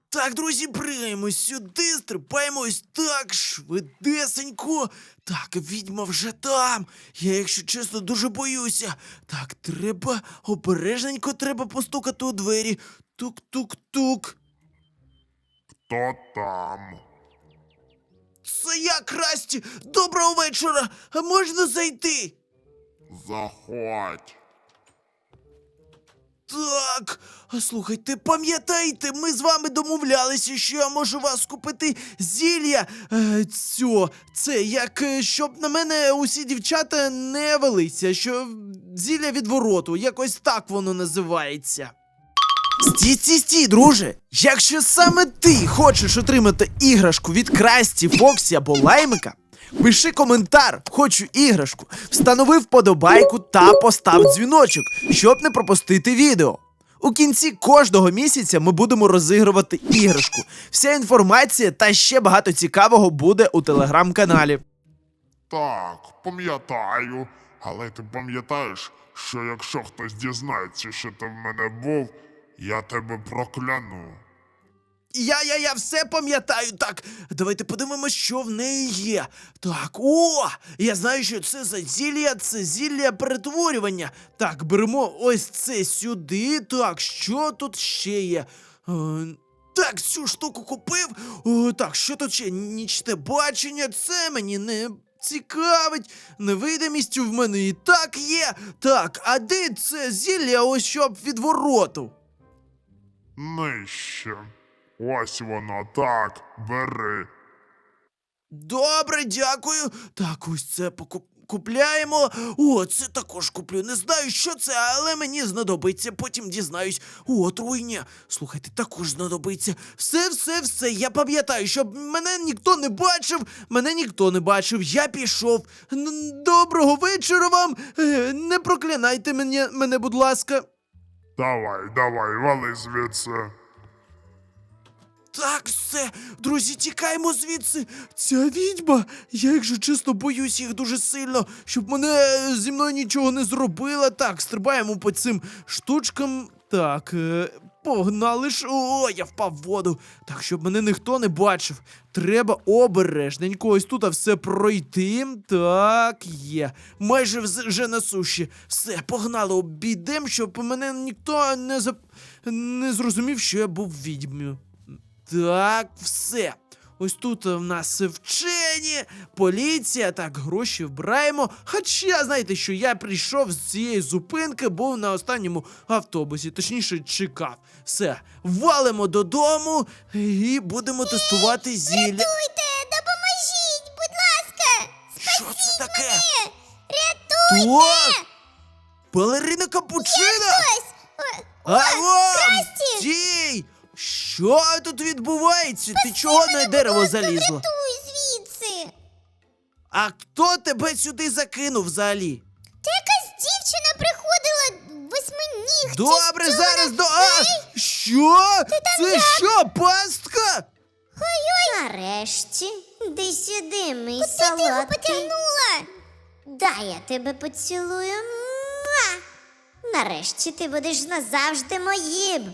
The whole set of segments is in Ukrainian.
Так, друзі, пригаємо сюди, стрибаємо ось так, швидесенько. Так, відьма вже там. Я, якщо чесно, дуже боюся. Так, треба обережненько треба постукати у двері. Тук-тук-тук. Хто там? Це я, Красті! Доброго вечора! А можна зайти? Заходь. Так, а слухайте, пам'ятаєте, ми з вами домовлялися, що я можу вас купити зілля. Це як щоб на мене усі дівчата не велися, що зілля відвороту, якось так воно називається. Стій, друже! Якщо саме ти хочеш отримати іграшку від Красті, Фоксі або Лаймика, пиши коментар, хочу іграшку, встанови вподобайку та постав дзвіночок, щоб не пропустити відео. У кінці кожного місяця ми будемо розігрувати іграшку. Вся інформація та ще багато цікавого буде у телеграм-каналі. Так, пам'ятаю. Але ти пам'ятаєш, що якщо хтось дізнається, що ти в мене був, я тебе прокляну. Я все пам'ятаю. Так, давайте подивимось, що в неї є. Так, я знаю, що це за зілля, це зілля перетворювання. Так, беремо ось це сюди. Так, що тут ще є? Так, цю штуку купив. Так, що тут ще? Нічне бачення, це мені не цікавить. Невидимість в мене і так є. Так, а де це зілля ось щоб відвороту? Нижче. Ось воно, так, бери. Добре, дякую. Так, ось це купляємо. Це також куплю. Не знаю, що це, але мені знадобиться. Потім дізнаюсь. Отруйня. Слухайте, також знадобиться. Все. Я пам'ятаю, щоб мене ніхто не бачив. Я пішов. Доброго вечора вам. Не проклинайте мене, будь ласка. Давай, вали звідси. Так, все, друзі, тікаємо звідси. Ця відьма, я, якщо чесно, боюсь їх дуже сильно, щоб зі мною нічого не зробила. Так, стрибаємо по цим штучкам. Так, погнали ж. Я впав в воду. Так, щоб мене ніхто не бачив. Треба обережненько ось тут все пройти. Так, є. Майже вже на суші. Все, погнали, обійдемо, щоб мене ніхто не зрозумів, що я був відьмою. Так, все. Ось тут в нас вчені, поліція, так, гроші вбираємо. Хоча, знаєте що, я прийшов з цієї зупинки, був на останньому автобусі, точніше, чекав. Все, валимо додому і будемо тестувати зілля. Рятуйте, допоможіть, будь ласка! Що це таке? Рятуйте! Так! Балерина Капучина! Ось! Алло! Красті! Стій! Що тут відбувається? Ти чого на дерево залізла? Рятуй звідси! А хто тебе сюди закинув взагалі? Та якась дівчина приходила восьминіг. Добре, зараз Що? Це що, пастка? Нарешті, йди сюди, мій солодкий. Ти його потягнула? Дай я тебе поцілую. Муа! Нарешті ти будеш назавжди моїм.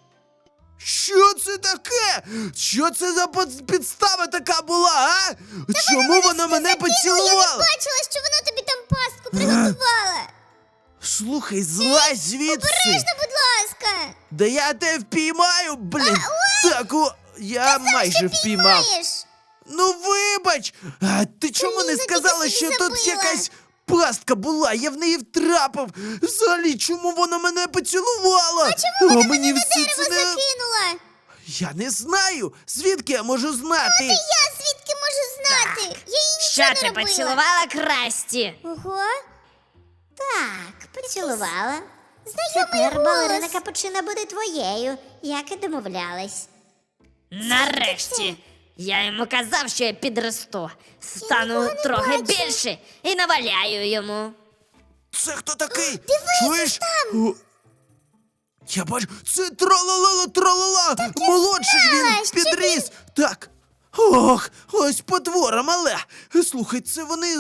Що це таке? Що це за підстава така була, а? Чому вона мене Я поцілувала? не бачила, що вона тобі там пастку приготувала. Слухай, злазь звідси. Обережно, будь ласка. Да я тебе впіймаю, блін. Так, я майже впіймав. Піймаєш. Ну вибач! А ти чому не Блін, сказала, я що тільки тут забила. якась пастка була? Я в неї втрапив. Взагалі, чому вона мене поцілувала? Чому вона мені на все дерево це не... закинула? Я не знаю. Звідки я можу знати? Я звідки можу знати? Я їй Що нічого не ти робила. поцілувала Красті? Ого. Так, поцілувала. Тепер Знайомий балерина голос. Капучина буде твоєю, як і домовлялись. Нарешті! Я йому казав, що я підросту. Стану нікого не трохи бачу. більше і наваляю йому. Це хто такий? Дивись, Чуєш? Я бачу, це тралала, молодший знала, він що підріс. Так. Ох, ось потвора мале. Слухай, це вони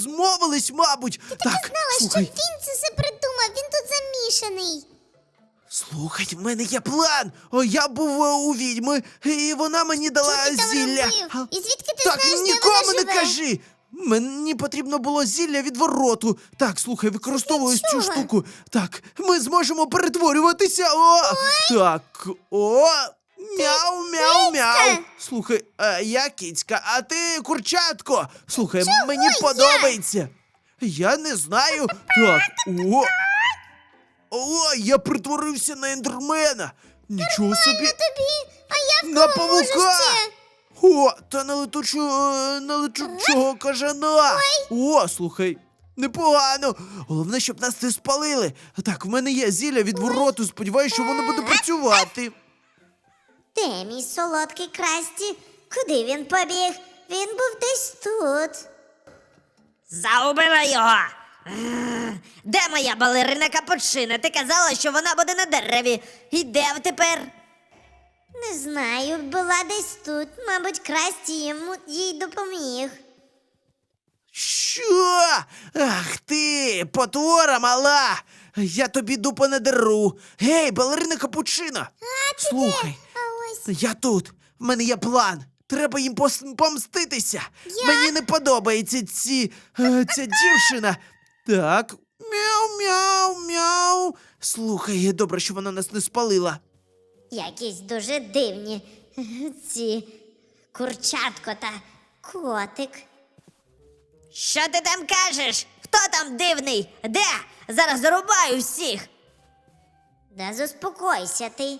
змовились, мабуть. Так, Знала, слухай. що він це все придумав, він тут замішаний. Слухай, в мене є план. О, я був у відьми, і вона мені дала Що ти там зілля. робив? І звідки ти Так, знаєш, де нікому вона не живе? кажи. Мені потрібно було зілля відвороту. Так, слухай, використовую цю чого? штуку. Так, ми зможемо перетворюватися. О! Так, о! Мяу, мяу, мяу. Слухай, я кіцька, а ти курчатко. Слухай, мені подобається. Я не знаю. Так, о! О, я притворився на ендермена. Нічого собі. Тобі, а я в На кого можу павука! ще? О, та на летучого кажана. О, слухай, непогано. Головне, щоб нас не спалили. Так, в мене є зілля відвороту. Сподіваюся, що воно буде працювати. Де мій солодкий Красті? Куди він побіг? Він був десь тут. Загубила його. Де моя балерина Капучина? Ти казала, що вона буде на дереві. І де тепер? Не знаю, була десь тут. Мабуть, Красті їй допоміг. Що? Ах ти, потвора мала. Я тобі дупу не деру. Гей, балерина Капучина. Слухай, А ось я тут. В мене є план. Треба їм помститися. Мені не подобається ця дівчина. Так. Мяу, мяу, мяу. Слухай, добре, що вона нас не спалила. якісь дуже дивні ці курчатко та котик. Що ти там кажеш? Хто там дивний? Де? Зараз зарубаю всіх. Да заспокойся ти.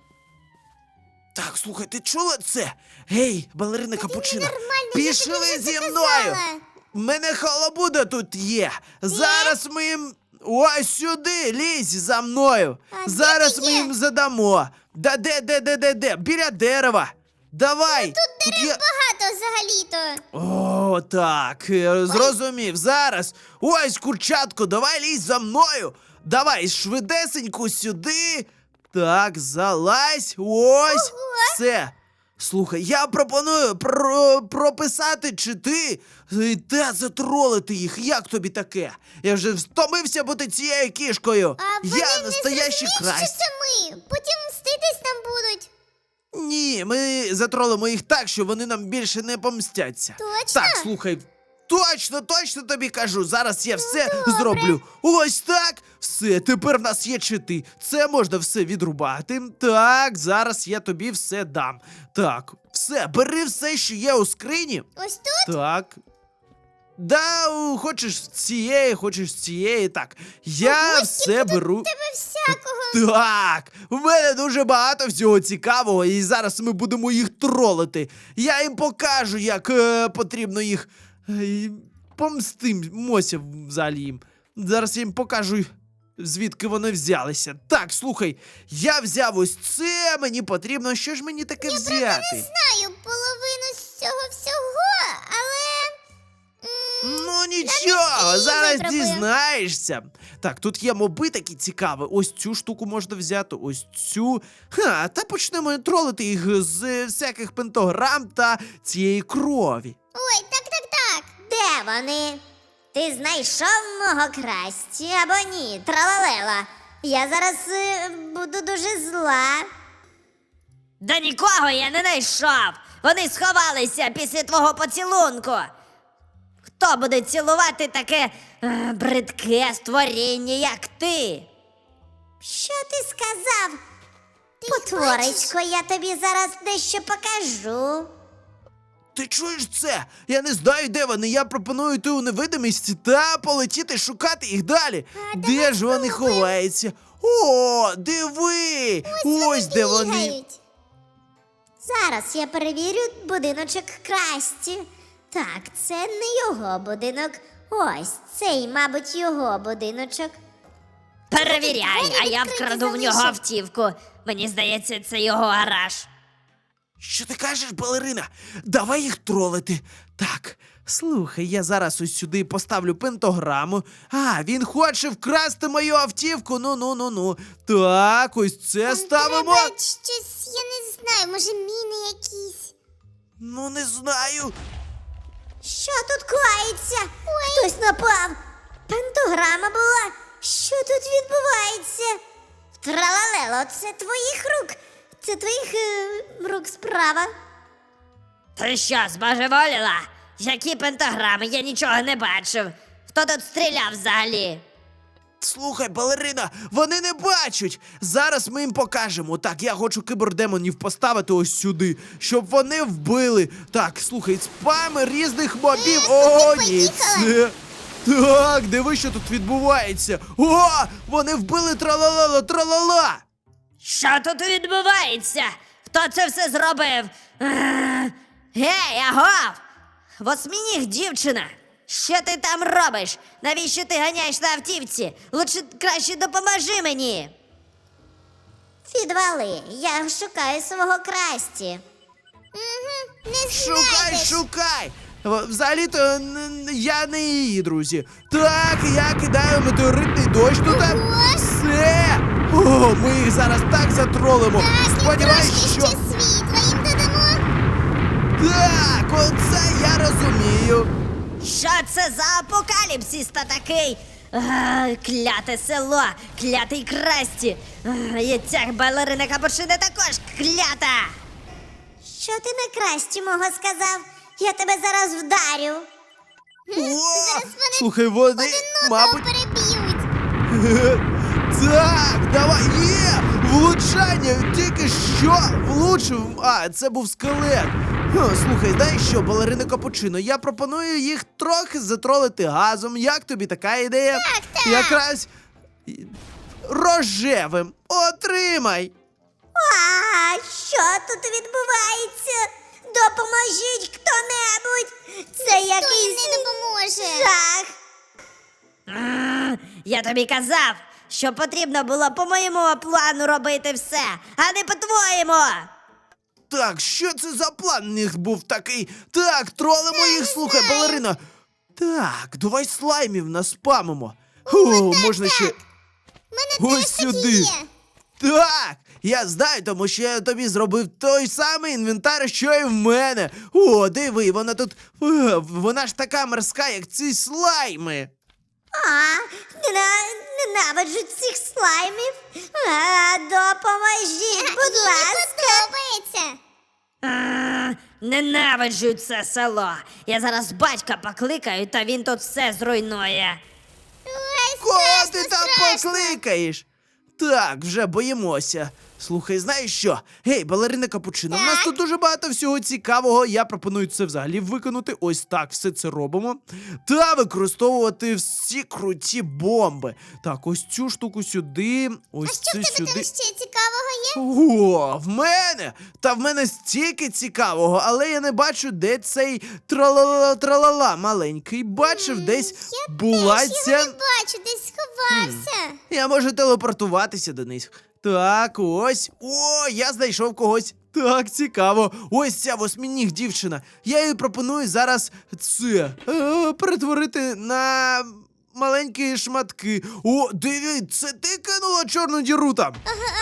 Так, слухай, ти чула це? Гей, балерина Капучина, ненормальна, я тобі пішли вже зі це мною! казала. В мене халабуда тут є. Зараз ми їм. Ось сюди, лізь за мною. А де Зараз ти ми є? їм задамо. Де? Біля дерева. Давай. Тут є... Багато взагалі-то. О, так, зрозумів. Зараз. Ось, курчатко, давай лізь за мною. Давай, швидесенько сюди. Так, залазь. Ось. Все. Слухай, я пропоную прописати чити та затролити їх. Як тобі таке? Я вже втомився бути цією кішкою. А вони Я не настоящий зрозуміють, Красті. що це ми. Потім мститись нам будуть. Ні, ми затролимо їх так, що вони нам більше не помстяться. Точно? Так, слухай, точно тобі кажу. Зараз я все зроблю. Ось так. Все, тепер в нас є чити. Це можна все відрубати. Так, зараз я тобі все дам. Так, все, бери все, що є у скрині. Ось тут? Так. Да, хочеш з цієї. Так, я все беру. Тебе всякого. Так, в мене дуже багато всього цікавого, і зараз ми будемо їх тролити. Я їм покажу, як потрібно їх помстимося взагалі їм. Зараз я їм покажу, звідки вони взялися. Так, слухай, я взяв ось це, мені потрібно, що ж мені таке взяти? Знаю половину з цього всього, але... Ну нічого, її зараз випробую. дізнаєшся. Так, тут є моби такі цікаві. Ось цю штуку можна взяти, ось цю. Та почнемо тролити їх з всяких пентограм та цієї крові. Ой, так. Де вони? Ти знайшов мого Красті або ні? Тралалела. Я зараз буду дуже зла. Да нікого я не знайшов. Вони сховалися після твого поцілунку. Хто буде цілувати таке бридке створіння, як ти? Що ти сказав? Потворечко, я тобі зараз дещо покажу. Ти чуєш це? Я не знаю, де вони. Я пропоную йти у невидимість та полетіти шукати їх далі. Де ж вони ховаються? О, диви! Ось де вони. Бігають. Зараз я перевірю будиночок Красті. Так, це не його будинок. Ось цей, мабуть, його будиночок. Перевіряй, а я відкриті вкраду в нього залишив. автівку. Мені здається, це його гараж. Що ти кажеш, балерина? Давай їх тролити. Так, слухай, я зараз ось сюди поставлю пентограму. А, він хоче вкрасти мою автівку. Ну. Так, ось це ставимо. Треба щось, я не знаю, може міни якісь. Ну, не знаю. Що тут коїться? Хтось напав. Пентограма була. Що тут відбувається? Тралалело, це твоїх рук. Це твоїх рук справа. Ти що, збожеволіла? Які пентаграми? Я нічого не бачив. Хто тут стріляв взагалі? Слухай, балерина, вони не бачать. Зараз ми їм покажемо. Так, я хочу кібердемонів поставити ось сюди, щоб вони вбили. Так, слухай, спами різних мобів. О, ні, це... Так, диви, що тут відбувається. О, вони вбили тралала. Що тут відбувається? Хто це все зробив? Гей, агов! Восьминіг дівчина! Що ти там робиш? Навіщо ти ганяєш на автівці? Лучше краще допоможи мені! Відвали, я шукаю свого Красті. Не Шукай! Взагалі-то я не її, друзі. Так, я кидаю метеоритний дощ туди. Все! О, ми їх зараз так затролимо. Сподіваюсь, що... світла їм додамо. Так, оце я розумію. Що це за апокаліпсис та такий? Кляте село, клятий Красті. І ця балерина Капучино також клята. Що ти на Красті мого сказав? Я тебе зараз вдарю. О, слухай, вони, мабуть... переб'ють. Так, давай, є! Влучання, тільки що влучив. А, це був скелет. Слухай, знаєш що, балерина Капучино, я пропоную їх трохи затролити газом. Як тобі така ідея? Так. Якраз рожевим. Отримай. А що тут відбувається? Допоможіть хто-небудь! Це якийсь не допоможе. Жах! Я тобі казав, що потрібно було по моєму плану робити все, а не по-твоєму. Так, що це за план у них був такий? Так, тролимо їх, слухай, балерина. Так, давай слаймів наспамимо. Можна ще... Ось сюди. Так, я знаю, тому що я тобі зробив той самий інвентар, що і в мене. О, диви, вона тут... Вона ж така морська, як ці слайми. Ненавиджу цих слаймів. Допоможіть, будь ласка. Ненавиджу це село. Я зараз батька покликаю, та він тут все зруйнує. Кого ти там покликаєш? Так, вже боїмося. Слухай, знаєш що? Гей, балерина Капучино, в нас тут дуже багато всього цікавого. Я пропоную це взагалі виконати. Ось так все це робимо. Та використовувати всі круті бомби. Так, ось цю штуку сюди. Ось це сюди. ще цікавого є? О, в мене! Та в мене стільки цікавого, але я не бачу, де цей тралала маленький. Бачив, десь була ця... бачу, десь сховався. Я можу телепортуватися до них. Так, ось. О, я знайшов когось. Так, цікаво. Ось ця восьминіг дівчина. Я їй пропоную зараз це перетворити на маленькі шматки. О, диви, це ти кинула чорну діру там?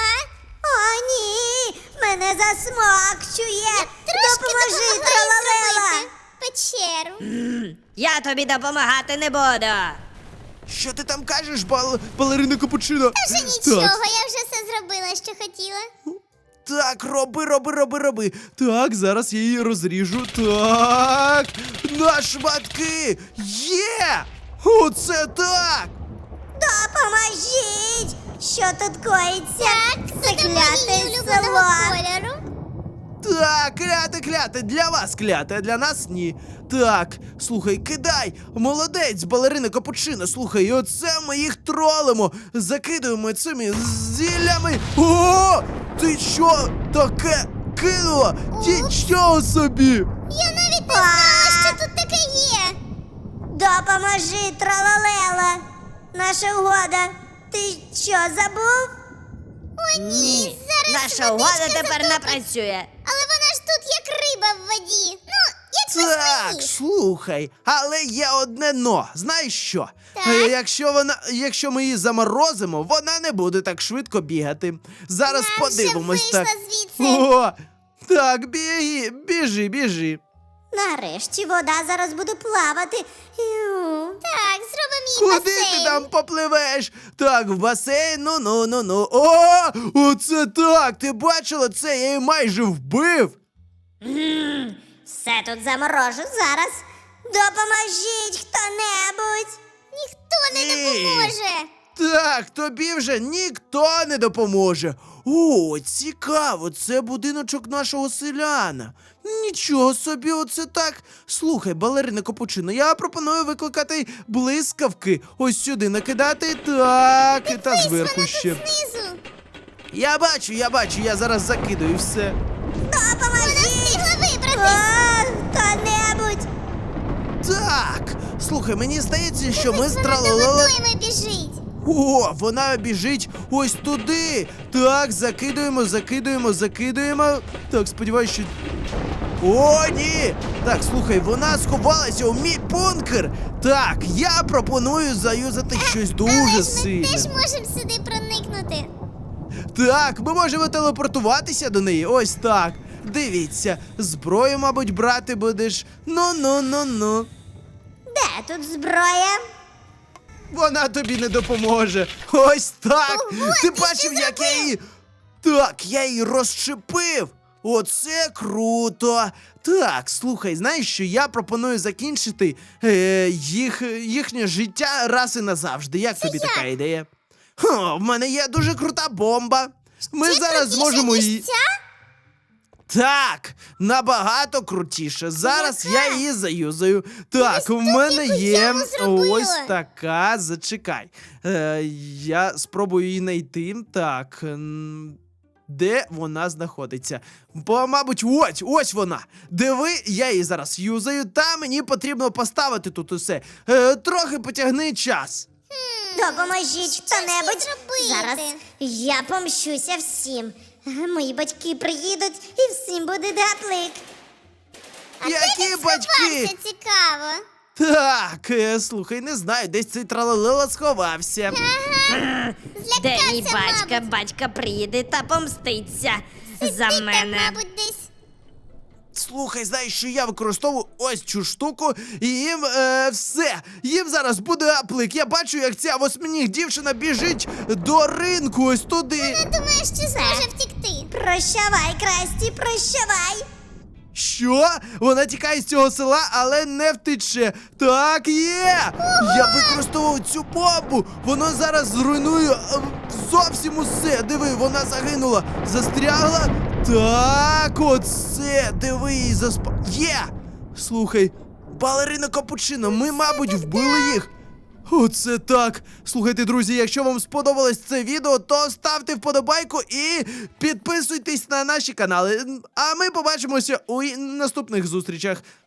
О, ні! Мене засмокчує! Допоможи, тралалела! Печеру. Я тобі допомагати не буду. Що ти там кажеш, балерина Капучино? Вже нічого, я вже все зробила, що хотіла. Так, роби. Так, зараз я її розріжу. Так, на шматки. Є! Оце так! Допоможіть! Що тут коїться? Це кляте село. Кольору. Так, кляте, для вас кляте, а для нас ні. Так, слухай, кидай! Молодець, балерина Капучино, слухай, і оце ми їх тролимо, закидуємо цими зіллями. О! Ти що таке кинула? Нічого собі! Я навіть не знала, що тут таке є. Допоможи, тралалела. Наша угода. Ти що, забув? О, Ні, наша угода тепер не працює. Але вона ж тут як риба в воді. Ну, як Так, слухай, але є одне но. Знаєш що? Так. Якщо ми її заморозимо, вона не буде так швидко бігати. Зараз подивимось так. звідси. О, так, біжи. Нарешті вода зараз буде плавати. Так, зробимо їй Куди ти там попливеш? Так, в басейн, ну. О, оце так, ти бачила це, я її майже вбив. Все тут заморожу зараз. Допоможіть хто-небудь. Ніхто не Ні. допоможе. Так, тобі вже ніхто не допоможе. О, цікаво, це будиночок нашого селяна. Нічого собі, оце так. Слухай, балерина Капучино, я пропоную викликати блискавки. Ось сюди накидати, так, і та зверху ще. Знизу. Я бачу, я зараз закидаю все. Допоможіть. Вона встигла вибратись. Хто-небудь. Так, слухай, мені здається, що ми Вона стралили. водойми біжить. О, вона біжить ось туди. Так, закидуємо. Так, сподіваюся, що. О, ні! Так, слухай, вона сховалася у мій бункер. Так, я пропоную заюзати щось дуже сильне. можемо сюди проникнути. Так, ми можемо телепортуватися до неї. Ось так. Дивіться, зброю, мабуть, брати будеш. Ну. Де тут зброя? Вона тобі не допоможе. Ось так. Ого, Ти ти бачив, що як я її. Так, я її розщепив. Оце круто. Так, слухай, знаєш що? Я пропоную закінчити їхнє життя раз і назавжди. Як тобі така ідея? В мене є дуже крута бомба. Ми зараз зможемо її. Так, набагато крутіше. Зараз я її заюзаю. Так, у мене є яму зробила. ось така. Зачекай. Я спробую її знайти. Так. Де вона знаходиться? Бо, мабуть, ось вона. Диви, я її зараз юзаю, та мені потрібно поставити тут усе. Трохи потягни час. Допоможіть хто-небудь. Зараз я помщуся всім. Мої батьки приїдуть і всім буде гаплик. Які батьки? Цікаво. Так, слухай, не знаю, десь цей тралалела сховався. Де мій батька? Батька приїде та помститься за мене. десь. Слухай, знаєш, що я використовую ось цю штуку, і їм все. Їм зараз буде аплик. Я бачу, як ця восьминіг дівчина біжить до ринку ось туди. Думаєш, чи зможе втікти? Прощавай, Красті, прощавай. Що? Вона тікає з цього села, але не втече. Так, є! Я використовував цю бомбу. Воно зараз зруйнує зовсім усе. Диви, вона загинула. Застрягла. Так, оце. Диви, її Є! Слухай, балерина Капучино, ми, мабуть, вбили їх. Оце так. Слухайте, друзі, якщо вам сподобалось це відео, то ставте вподобайку і підписуйтесь на наші канали. А ми побачимося у наступних зустрічах.